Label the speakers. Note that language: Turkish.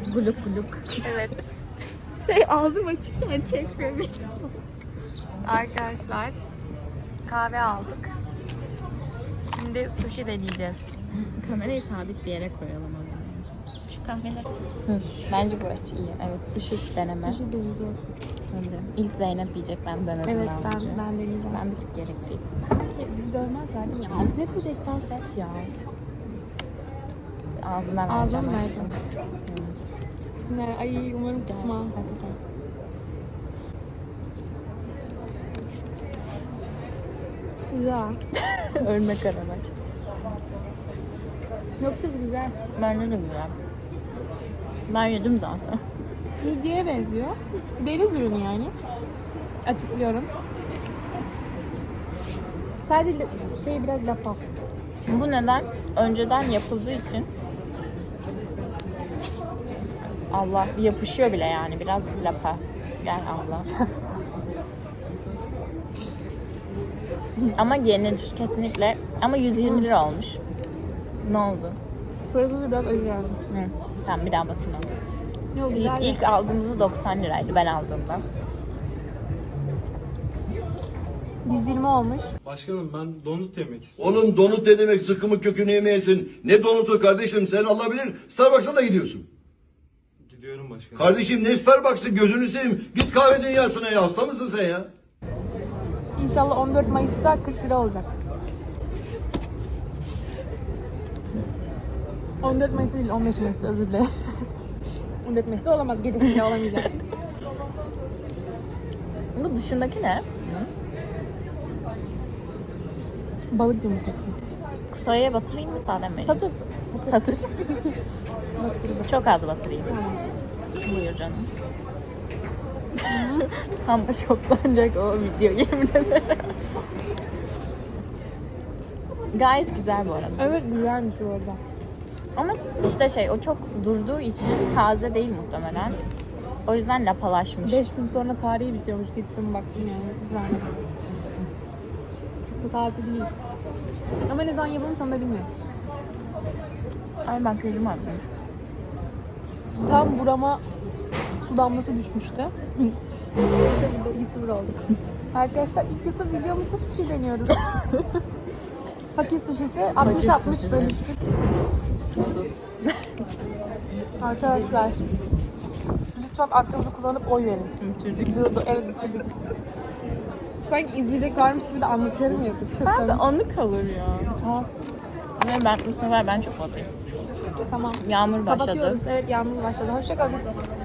Speaker 1: Gluk gluk.
Speaker 2: Evet.
Speaker 1: Ağzım açıkken çekmiyor beni.
Speaker 2: Arkadaşlar kahve aldık. Şimdi sushi deneyeceğiz.
Speaker 1: Kamerayı sabit bir yere koyalım o zaman. Şu kahveler. Bence bu açı iyi. Evet, sushi deneme.
Speaker 3: Sushi deneyeceğiz.
Speaker 1: Hadi. İlk Zeynep yiyecek, ben denedim
Speaker 3: Evet
Speaker 1: daha
Speaker 3: ben
Speaker 1: önce.
Speaker 3: deneyeceğim.
Speaker 1: Ben bir tık gerekliyim.
Speaker 3: Bizi dövmezler değil mi? Afiyet Hoca istersen.
Speaker 1: Ya. Ağzına
Speaker 3: Ağzına
Speaker 1: vereceğim
Speaker 3: mı
Speaker 1: aşkım.
Speaker 3: vereceğim? Bismillah. Ay umarım kusma.
Speaker 1: Hadi gel.
Speaker 3: Güzel.
Speaker 1: Ölmek aramak.
Speaker 3: Yok kız güzel.
Speaker 1: Bence de güzel. Ben yedim zaten.
Speaker 3: Midyeye benziyor. Deniz ürünü yani. Açıklıyorum. Sadece biraz lapa.
Speaker 1: Bu neden? Önceden yapıldığı için Allah yapışıyor bile yani, biraz lapa. Gel Allah. Ama yenilir kesinlikle. Ama 120 lira olmuş. Ne oldu?
Speaker 3: Şurası biraz acı yani.
Speaker 1: Hı. Tamam, bir daha batırma.
Speaker 3: Yok güzel.
Speaker 1: İlk aldığımızda 90 liraydı ben aldığımda.
Speaker 3: 120 olmuş.
Speaker 4: Başkanım ben donut yemek istiyorum.
Speaker 5: Oğlum donut ne demek, zıkkımı kökünü yemeyesin. Ne donutu kardeşim, sen Allah bilir Starbucks'a da gidiyorsun.
Speaker 4: Gidiyorum başkanım.
Speaker 5: Kardeşim ne Starbucks'ı, gözünü seveyim. Git kahve dünyasına ya, hasta mısın sen ya?
Speaker 3: İnşallah 14 Mayıs'ta 40 lira olacak. 14 Mayıs'ta değil 15 Mayıs'ta, özür dilerim. 14 Mayıs'ta olamaz, gecesinde olamayacak.
Speaker 1: Bu dışındaki ne?
Speaker 3: Balık yumurtası.
Speaker 1: Kusaya batırayım mı, sade mi?
Speaker 3: Satırsın.
Speaker 1: Satır.
Speaker 3: Batırdı.
Speaker 1: Çok az batırayım. Buyur canım. Tam şoklanacak o video, yemin ederim. Gayet güzel bu arada.
Speaker 3: Evet güzelmiş bu arada.
Speaker 1: Ama işte o çok durduğu için taze değil muhtemelen. O yüzden lapalaşmış.
Speaker 3: 5 gün sonra tarihi bitiyormuş, gittim baktım yani. Güzel. Çok da taze değil. Ama ne zaman yapılmış onu da bilmiyoruz.
Speaker 1: Ay ben köycüm atmış.
Speaker 3: Tam burama su damlası düşmüştü. YouTuber olduk. Arkadaşlar ilk YouTube videomuzda sushi deniyoruz. Fakir sushisi 60-60
Speaker 1: sushi.
Speaker 3: bölüştük.
Speaker 1: Sus.
Speaker 3: Arkadaşlar lütfen aklınızı kullanıp oy verin.
Speaker 1: Bitirdik.
Speaker 3: Evet bitirdik. Sanki izleyecek varmış gibi de anlatıyorum ya. Çok
Speaker 1: Ben de
Speaker 3: komik.
Speaker 1: anı kalır ya.
Speaker 3: Kalsın.
Speaker 1: Ne, ben bu sefer ben çok batayım.
Speaker 3: Tamam.
Speaker 1: Yağmur başladı.
Speaker 3: Kapatıyoruz. Evet yağmur başladı. Hoşçakalın.